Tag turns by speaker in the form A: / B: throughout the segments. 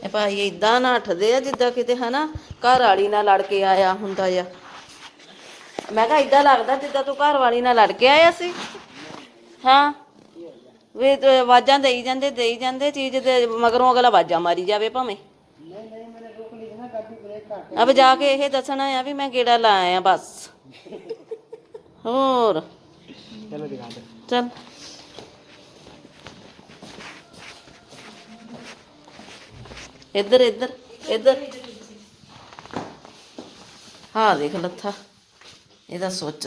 A: ਇਹ ਭਾਈ ਇਦਾਂ ਨੱਠਦੇ ਆ ਜਿੱਦਾਂ ਕਿਤੇ ਹਨਾ ਘਰ ਵਾਲੀ ਨਾਲ ਲੜ ਕੇ ਆਇਆ ਹੁੰਦਾ ਆ। ਮੈਂ ਕਿਹਾ ਇਦਾਂ ਲੱਗਦਾ ਜਿੱਦਾਂ ਤੂੰ ਘਰ ਵਾਲੀ ਨਾਲ ਲੜ ਕੇ ਆਇਆ ਸੀ। ਹਾਂ ਵੀ ਆਵਾਜ਼ਾਂ ਦੇਈ ਜਾਂਦੇ ਚੀਜ਼ ਦੇ ਮਗਰੋਂ ਅਗਲਾ ਆਵਾਜ਼ਾਂ ਮਾਰੀ ਜਾਵੇ ਭਾਵੇਂ। अब जाके यह दसना है भी मैं गेड़ा ला आया बस। और चलो दिखा दे चल इधर इधर इधर हाँ देख लत्था ਇਹਦਾ सोच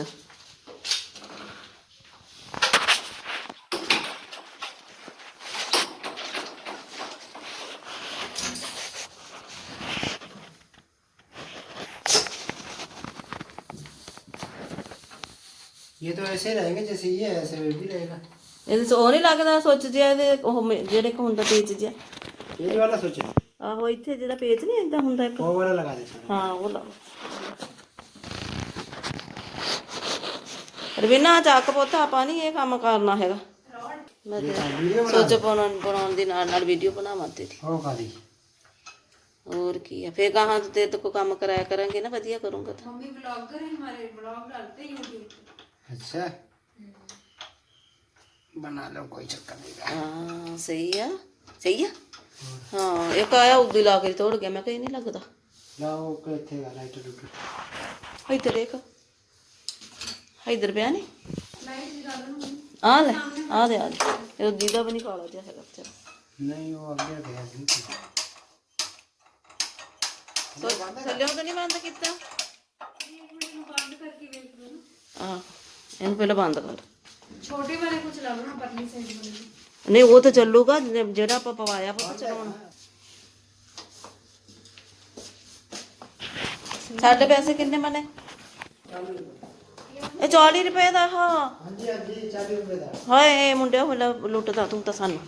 B: ये तो ऐसे रहेंगे जैसे ये ऐसे भी रहेगा।
A: ਇਹਦੇ ਚ ਉਹ ਨਹੀਂ ਲੱਗਦਾ ਸੁੱਚ ਜਿਹਾ ਇਹਦੇ ਉਹ ਜਿਹੜੇ ਕੋ ਹੁੰਦਾ ਪੇਚ ਜਿਹਾ
B: ये वाला सोचे
A: ਆਹੋ ਇੱਥੇ ਜਿਹੜਾ ਪੇਚ ਨਹੀਂ ਏਦਾਂ ਹੁੰਦਾ ਇੱਕ
B: वो वाला लगा दे।
A: ਹਾਂ ਉਹ ਲਾ ਰਵੀਨਾ ਚੱਕ ਪੁੱਤ ਆਪਾਂ ਨਹੀਂ ਇਹ ਕੰਮ ਕਰਨਾ ਹੈਗਾ। ਮੈਂ ਸੋਚ ਬਣਾਉਣ ਦੀ ਨਾਲ ਵੀਡੀਓ ਬਣਾਵਾਂ ਤੇਰੀ।
B: ਉਹ ਕਾਦੀ
A: और की है फिर कहाँ तो तेरे को काम कराया करेंगे ना बढ़िया करूँगा तो
C: मम्मी ब्लॉगर है हमारे ब्लॉग डालते हैं यूट्यूब पे।
B: अच्छा बना लो कोई चक्कर नहीं।
A: हाँ सही है हाँ एक आया उदी ला के तोड़ गया मैं कहीं नहीं लगता
B: लाओ थे लाइटर लूटर
A: इधर देख इधर पे नहीं
C: लाइट जला लो
A: आ ले आ दे ये दीदा भी नहीं काला जा है बेचारा
B: नहीं वो आगे गया
A: तो चलियो तो नहीं बंद किया
C: बंद करके देख लो ना।
A: हाँ इन पहले बंद कर
C: छोटे वाले को चला लो ना परली साइड वाले।
A: नहीं वो तो चलूगा जेड़ा आप पवाया वो चलाना साढ़े पैसे कितने बने ਇਹ 40 ਰੁਪਏ ਦਾ ਹਾਂ
B: ਹਾਂਜੀ ਹਾਂਜੀ 40 ਰੁਪਏ ਦਾ
A: ਹਾਏ ਮੁੰਡਿਆ ਹੋਲਾ ਲੁੱਟਦਾ ਤੂੰ ਤਾਂ ਸਾਨੂੰ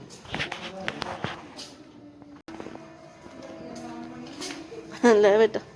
A: ਲੈ ਬੇਟਾ